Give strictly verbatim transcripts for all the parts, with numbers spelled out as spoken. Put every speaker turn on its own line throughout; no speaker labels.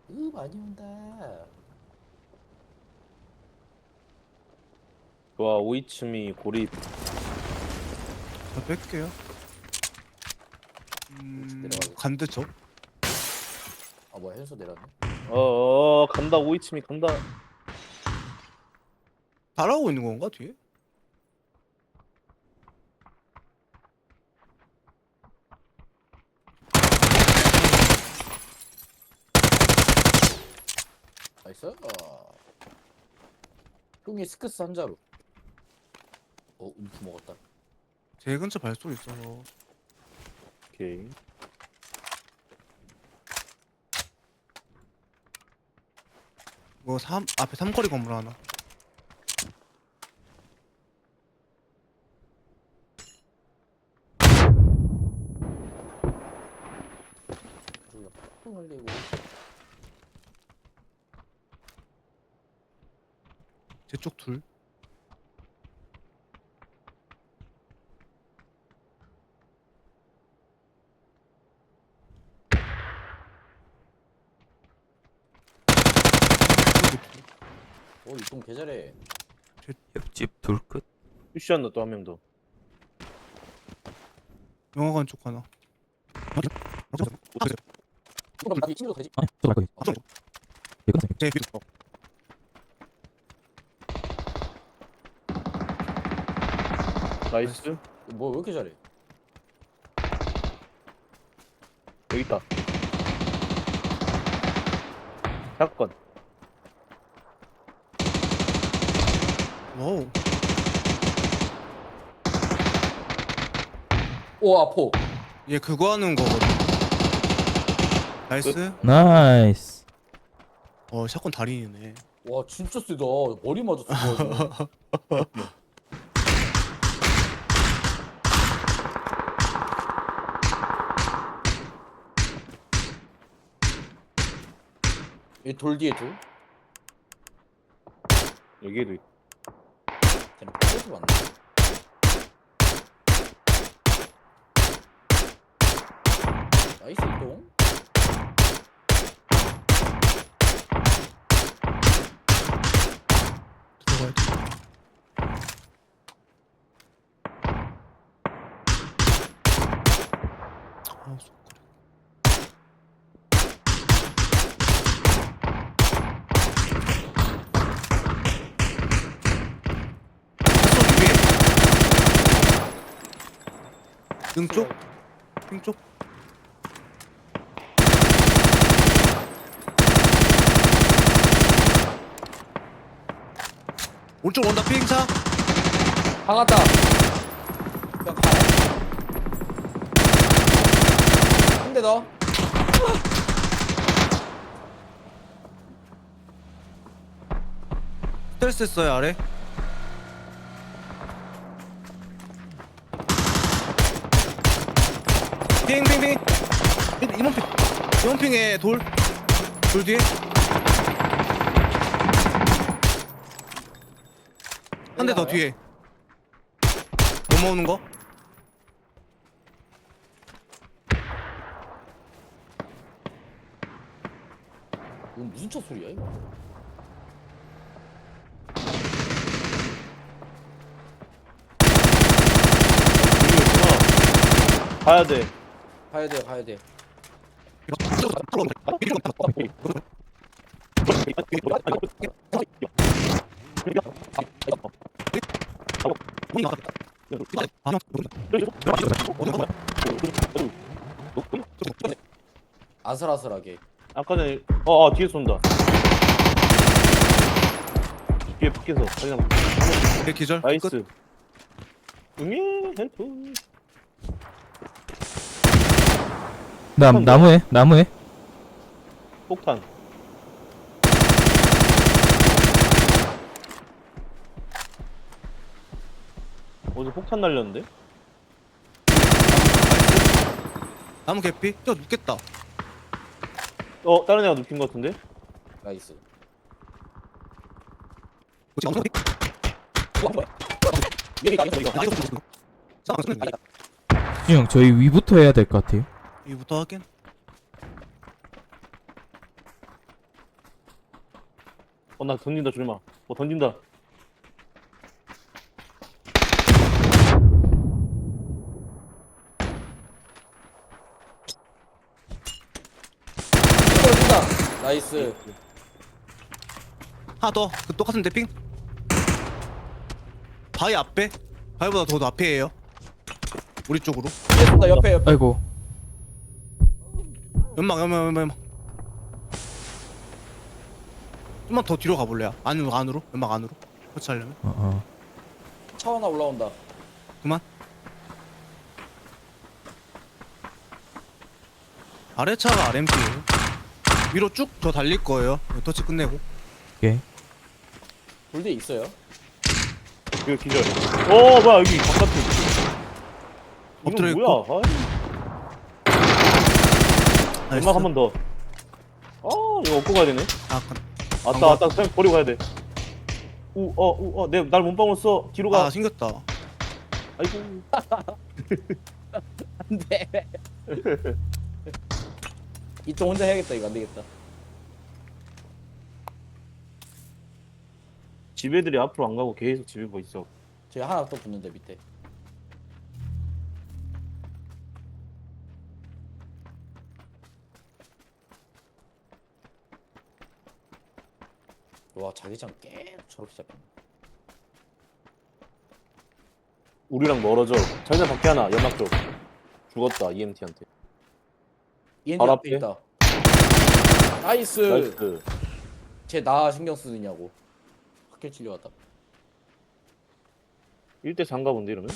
으 많이 온다.
좋아, 오이츠미 고립.
저 뺄게요.
우측
음...
내려가겠다.
간대 저?
아 뭐야 현수 내렸네.
어어 간다, 오이츠미 간다.
따라오고 있는 건가 뒤에?
나이스. 어. 흉이 스크스 한 자루. 어 움프 먹었다.
제 근처 발소리 있어서.
오케이.
뭐 삼 앞에 삼거리 건물 하나.
그리고 팍 흘리고.
제 쪽 둘.
어 이동 개잘해.
옆집 둘 끝.
푸시한다 또 한 명 더.
영화관 쪽 하나.
그럼 나이 친구도 되지.
아니, 저갈 거기.
아, 저-
예, 끝났어요.
제 밑. 어.
나이스.
뭐 왜 이렇게 잘해?
여기 있다. 사건.
와우.
오 아포.
얘 그거 하는 거거든. 나이스.
나이스.
어 샷건 달인이네.
와 진짜 세다. 머리 맞았어. 그거. 얘돌 뒤에 둘.
여기에도 있다.
쟤는 포즈 맞나? 나이스 이동.
들어가야 돼. 아, 속- 왼쪽 위에. 등 쪽? 등 쪽? 오른쪽 온다 피행차.
박았다. 그냥 가네. 한 대 더.
스트레스 했어요 아래. 핑핑핑. 이번 핑. 이번 핑에 돌. 돌 뒤에. 한 대 더 뒤에. 넘어오는 거.
이건 무슨 차 소리야 이거?
여기였구나. 가야 돼.
가야 돼 가야 돼. 아슬아슬하게.
아까 전에 어, 어 뒤에 쏜다. 뒤에 밖에서 그냥.
내 기절. 끝.
나이스. 응애 헬프.
남 나무에 나무에.
폭탄. 어디 폭탄 날렸는데?
나무 개피. 뛰어 눕겠다.
어 다른 애가 눕힌 것 같은데?
나이스.
여기가
형 저희 위부터 해야 될 것 같아요.
이부터 확인.
어, 나 던진다, 조림아. 어, 던진다.
뛴다. 나이스.
하나 더. 그 똑같은 데핑. 바위 앞에. 바위보다 더 앞에예요. 우리 쪽으로.
뒤에 쏜다. 옆에 옆에.
아이고.
연막 연막 연막 연막. 좀만 더 뒤로 가볼래요? 안으로 안으로 연막 안으로. 터치하려면.
어, 어.
차 하나 올라온다.
그만. 아래 차가 알엠피예요. 위로 쭉 더 달릴 거예요. 터치 끝내고.
오케이.
돌 뒤에 있어요.
이거 기절. 어, 뭐야, 여기 바깥에.
엎드려
이건
있고.
뭐야? 아,
나이스.
연막 한 번 더. 아, 이거 얻고 가야 되네.
아, 간-
왔다, 왔다, 그냥 버리고 가야 돼. 우, 어, 우, 어, 내, 날 몸빵을 써. 뒤로 가.
아 생겼다.
아이고.
안돼. 이쪽 혼자 해야겠다. 이거 안 되겠다.
집 애들이 앞으로 안 가고 계속 집에 뭐 있어.
저기 하나 또 붙는데 밑에. 와 자기장 계속 저렇게 잡혔네.
우리랑 멀어져. 자기장 밖에 하나, 연막 쪽. 죽었다, 이엠티한테.
이엔디
바로
앞에
앞에?
있다. 나이스.
나이스.
쟤 나 신경 쓰느냐고. 학교 찔려왔다.
일 대 사인가 본데, 이러면?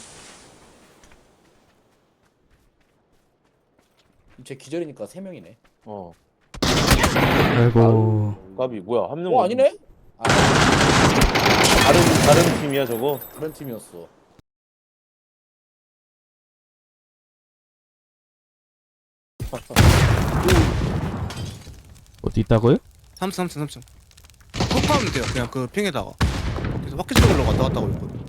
쟤 기절이니까 세 명이네.
어.
아이고.
까비, 뭐야, 한 명.
어 아니네? 아
다른, 다른 팀이야, 저거?
그런 팀이었어.
어디 있다고요?
삼 층 삼 층 삼 층. 폭파하면 돼요. 그냥 그 핑에다가. 그래서 바퀴 쪽으로 왔다 갔다 하고 있거든.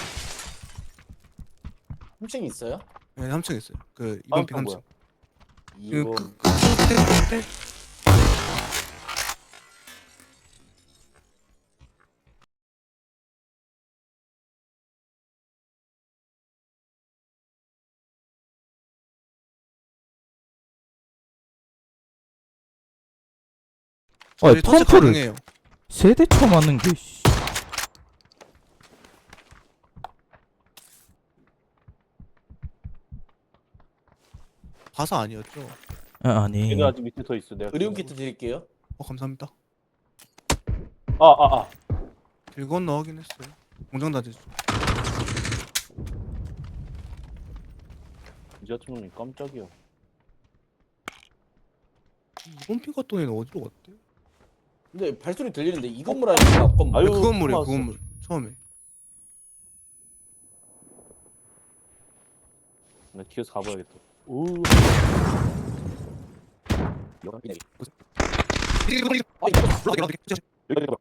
삼 층이 있어요?
네, 삼 층 있어요. 그 이번 핑
아,
삼
뭐야.
층. 그,
이거
그, 그, 끝에, 끝에.
아,
저희 터치
펌프를
가능해요.
세대 쳐맞는 게, 씨.
바사 아니었죠?
아, 아니.
얘는 아직 밑에 더 있어, 내가.
의료용 키트 드릴게요.
어 감사합니다.
아, 아, 아.
길 건너 하긴 했어요. 공장 다지죠.
이자촌이 깜짝이야.
이번 핑 갔던 애는 어디로 갔대?
근데 발소리 들리는데 이 건물 아니면 앞 건물?
아유,
그 건물이에요. 그
나왔어.
건물. 처음에.
나 뒤에서 가봐야겠다. 오.
여기 내리.
이게
아 이거
올라가게 올라가게.
여기, 여기, 여기.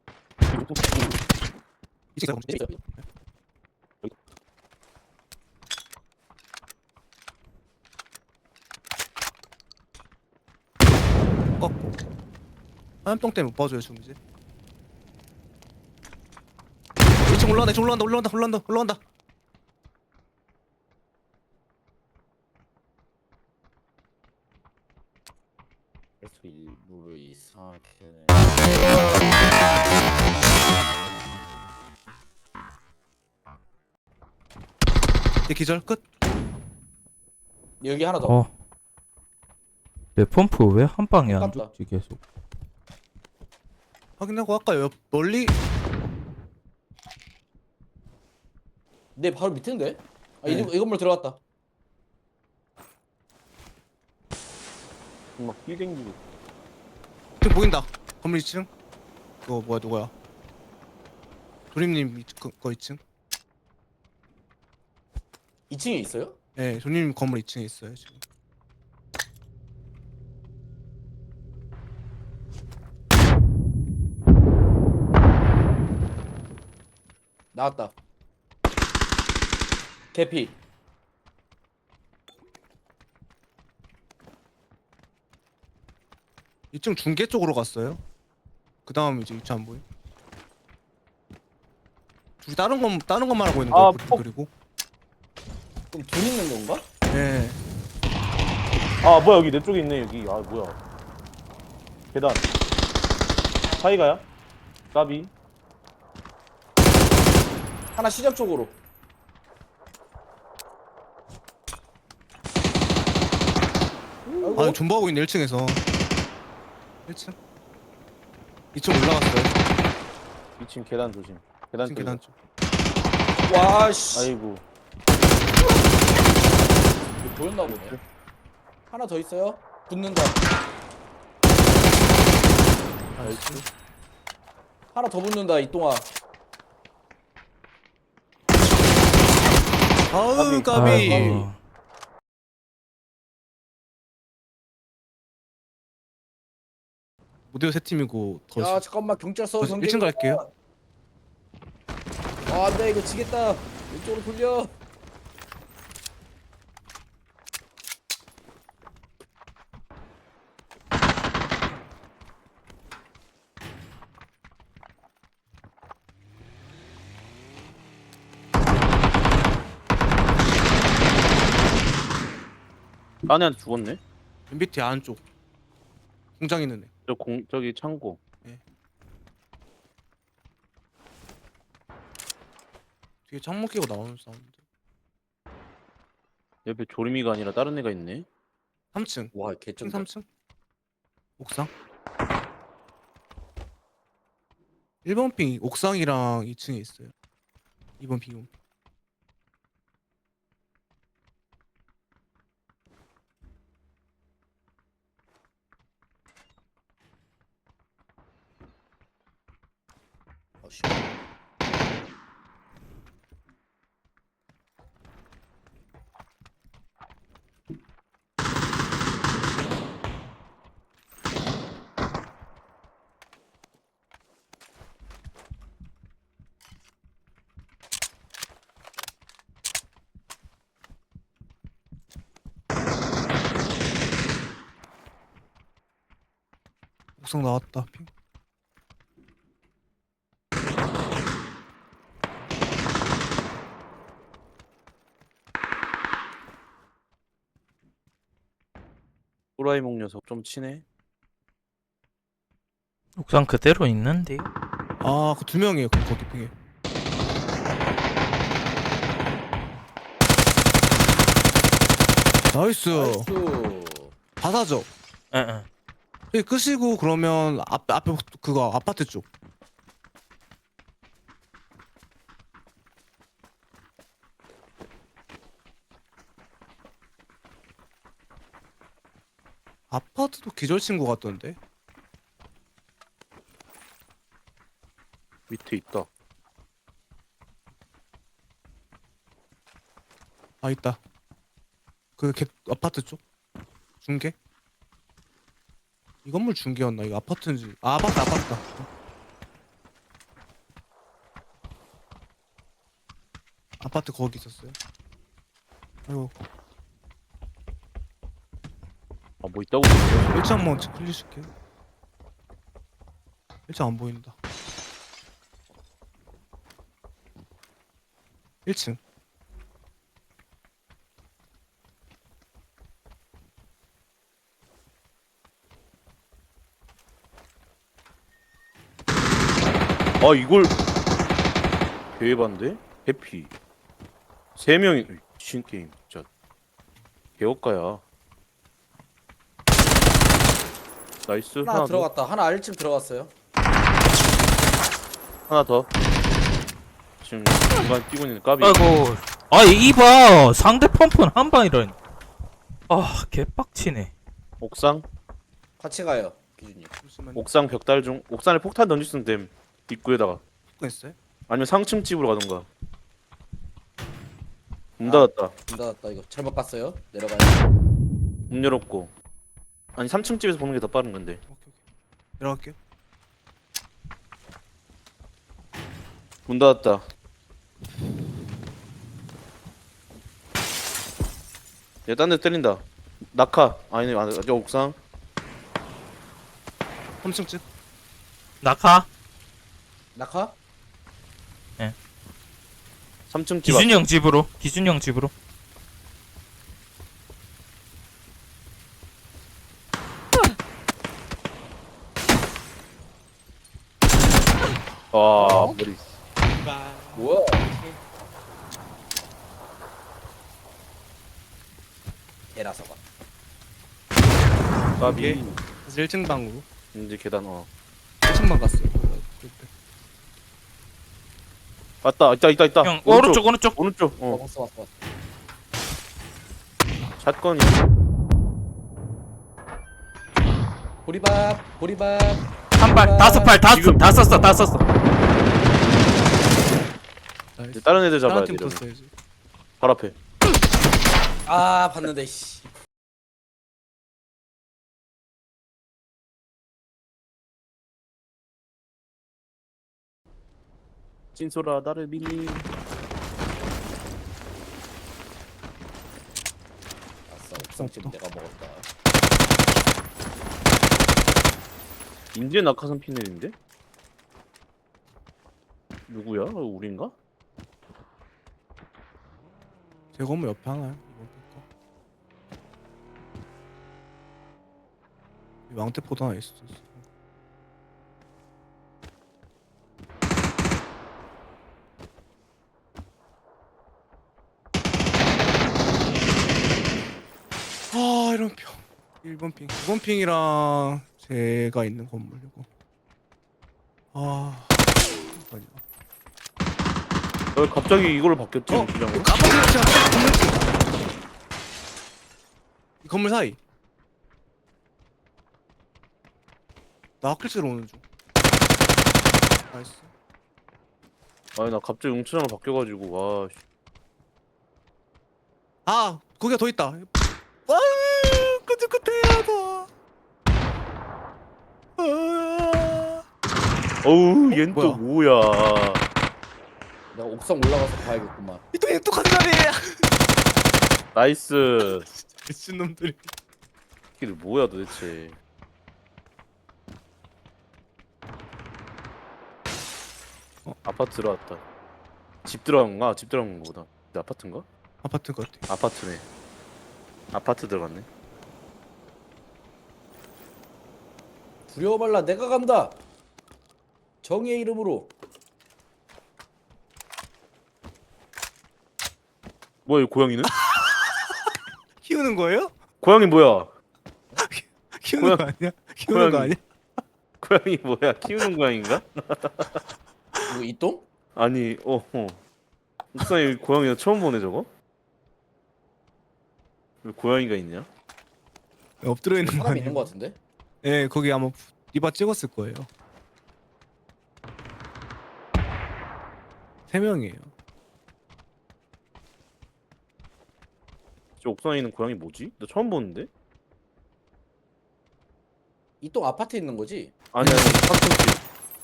이제 제가
있어요.
꺾고. 화염병 때문에 못 봐줘요 지금 이제. 이 층 올라간다. 이 층 올라간다. 올라간다. 올라간다. 올라간다.
그래서 일부러 이상하게.
얘 기절 끝.
여기 하나 더.
어. 내 펌프 왜 한 방에 안
아깝다.
죽지, 계속.
확인하고 아까 옆 멀리
내 바로 밑인데? 아, 이,
네.
이 건물 들어갔다.
막 힐댕기고.
지금 보인다. 건물 이 층. 그거 뭐야 누구야? 조림님 이- 그, 거 이 층.
이 층에 있어요?
네, 조림님 건물 이 층에 있어요 지금.
나왔다. 개피.
이 층 중계 쪽으로 갔어요. 그 다음 이제 위치 안 보임. 우리 다른 건 다른 것만 하고 있는
아,
거야.
폭.
그리고
그럼 둘 있는 건가?
예.
아 뭐야 여기 내 쪽에 있네 여기. 아 뭐야. 계단. 사이가야? 까비.
하나 시점 쪽으로. 아이고.
아 존버하고 있네 일 층에서. 일 층. 이 층 올라갔어요.
이 층 계단 조심. 계단
이 층
쪽.
계단 쪽.
와 씨.
아이고.
이거 보였나 보네. 하나 더 있어요. 붙는다.
나이스.
하나 더 붙는다 이동아.
아우
까비.
까비.
아이고.
무대호 세 팀이고 더.
야 잠깐만 경찰서
저 일 층 갈게요.
아 안돼 이거 지겠다. 왼쪽으로 돌려.
딴 애한테 죽었네.
엠비티 안쪽. 공장 있는 애.
저 공 저기 창고.
뒤에 창문 끼고 나오는 사운드.
옆에 조림이가 아니라 다른 애가 있네.
삼 층.
와
층
개쩐다.
삼 층. 옥상. 일 번 핑 옥상이랑 이 층에 있어요. 이 번 핑.
어, 씨.
옥상 나왔다. 핑.
호라이몽 녀석 좀 치네.
옥상 그대로 있는데.
아, 그 두 명이에요. 그 거기 핑에. 나이스.
나이스.
바사죠.
응응.
여기 끄시고 그러면 앞 앞에 그거 아파트 쪽. 아파트도 기절 친구 같던데.
밑에 있다.
아 있다. 그 개, 아파트 쪽 중계. 이 건물 중계였나? 이거 아파트인지. 아 아파트 아파트다. 아파트 거기 있었어요. 아이고
아 뭐 있다고?
일 층 한번 클릭할게요. 일 층 안 보인다. 일 층.
아 이걸 개반데? 해피 세 명이 미친 게임 진짜 개업가야. 나이스.
하나,
하나 더.
들어갔다. 하나 일 층 들어갔어요.
하나 더. 지금 중간 뛰고 있는 까비.
아이고. 아 이봐 상대 펌프는 한 방이라니. 아 개빡치네.
옥상
같이 가요, 기준님.
잠시만요.
옥상 벽달 중 옥상에 폭탄 던질 수 있는 댐 입구에다가
했어요?
아니면 상층 집으로 가던가. 문
아.
닫았다.
문 닫았다. 이거 잘못 갔어요. 내려가요.
문 열었고. 아니 삼 층 집에서 보는 게 더 빠른 건데.
오케이 오케이. 내려갈게요.
문 닫았다. 얘 딴 데 때린다. 낙하. 아니네. 아, 저 옥상.
삼 층 집.
낙하.
낙하?
삼 층 집
기준이 형 집으로. 기준이 형 집으로.
앞. 와 머리.
뭐야? 개라서가.
까비.
오케이. 다시 일 층 방으로.
이제 계단 어.
일 층만 갔어요. 그때.
왔다 있다 있다 있다.
형 오른쪽 오른쪽.
오른쪽.
어,
어.
왔어 왔어 왔어.
샷건이.
보리밥 보리밥.
한 발 다섯 발다
지금-
다 썼어 다 썼어.
이제
나이스.
다른 애들 잡아야
다른
돼.
팀
이러면.
붙었어야지.
바로 앞에.
아 봤는데 씨.
찐소라 나를 믿니?
아싸 옥상집 내가 먹었다.
인제 낙하산 피넬인데? 누구야? 어, 우린가?
제 건물 옆에 하나요? 이번 거. 이 왕태포도 하나 있어. 아 이런 핑. 일 번 핑. 이 번 핑이랑 제가 있는 건물이고. 아. 잠깐만요.
어, 갑자기 이걸로 바뀌었지?
어?
그냥.
이거 깜빡이 제가 건물 이 건물 사이. 나 학교로 오는 중. 나이스.
아니 나 갑자기 웅천으로 바뀌어가지고 와. 씨.
아 거기가 더 있다. 와 끄적끄적하다. 아.
어우 얜 또
뭐야?
뭐야?
내가 옥상 올라가서 봐야겠구만.
이또 또 간다네.
나이스.
미친놈들이.
이게 뭐야 도대체?
어?
아파트 들어왔다. 집 들어간 건가? 집 들어간 건가 보다. 근데 아파트인가?
아파트 것 같아.
아파트네. 아파트 들어갔네.
두려워 말라 내가 간다. 정의의 이름으로.
뭐야 이 고양이는?
키우는 거예요?
고양이 뭐야?
키우는
고양-
거 아니야? 키우는 거
고양이.
아니야?
고양이 뭐야? 키우는 고양인가?
이거 이똥?
아니 어 어. 옥상에 고양이 처음 보네 저거? 왜 고양이가 있냐?
엎드려 있는 거
사람
아니야?
있는 거 같은데?
예, 거기 아마 리바 찍었을 거예요. 세 명이에요.
저 옥상에 있는 고양이 뭐지? 나 처음 보는데?
이똥 아파트에 있는 거지?
아니 아니 삼층집.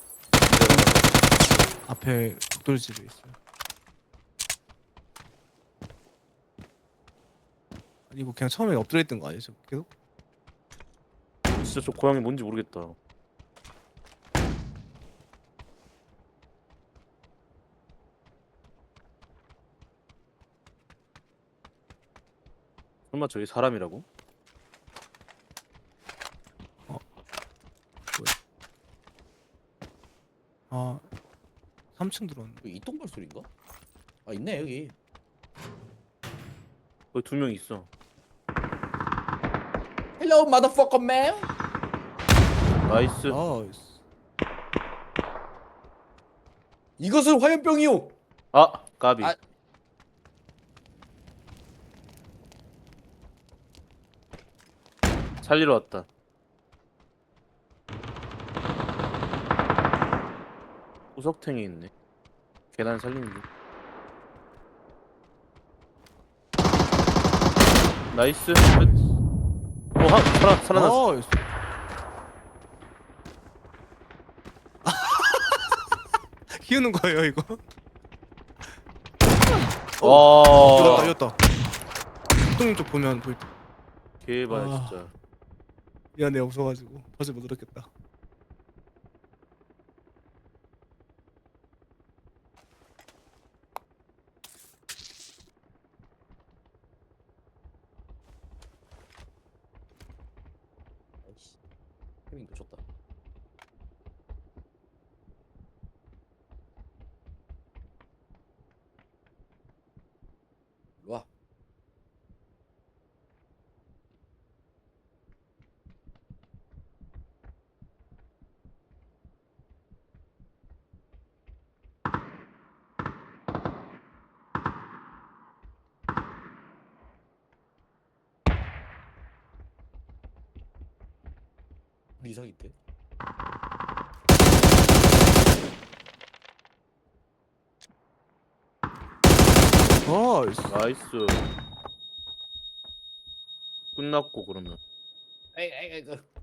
앞에 독돌집에 있어요. 아니 이거 그냥 처음에 엎드려 있던 거 아니죠? 계속?
진짜 저 고양이 뭔지 모르겠다. 설마 저기 사람이라고?
아, 삼 층 들어왔네.
이거 이똥 발소리인가? 아 있네 여기.
거기 두 명 있어.
Hello motherfucker man.
나이스.
나이스.
이것은 화염병이요.
아 까비.
아.
살리러 왔다. 구석탱이 있네. 계단 살리는 중. 나이스. 어, 하, 살아, 살아났어.
나이스. 키우는 거예요 이거?
와,
이겼다 이겼다. 똥 쪽 보면 보일 때.
개발
아.
진짜.
미안해 없어가지고 버스 못 들었겠다.
타이밍 놓쳤다. 일로 와. 우리 이상인데?
나이스.
나이스. 끝났고 그러면.
에이 에이 에이. 그.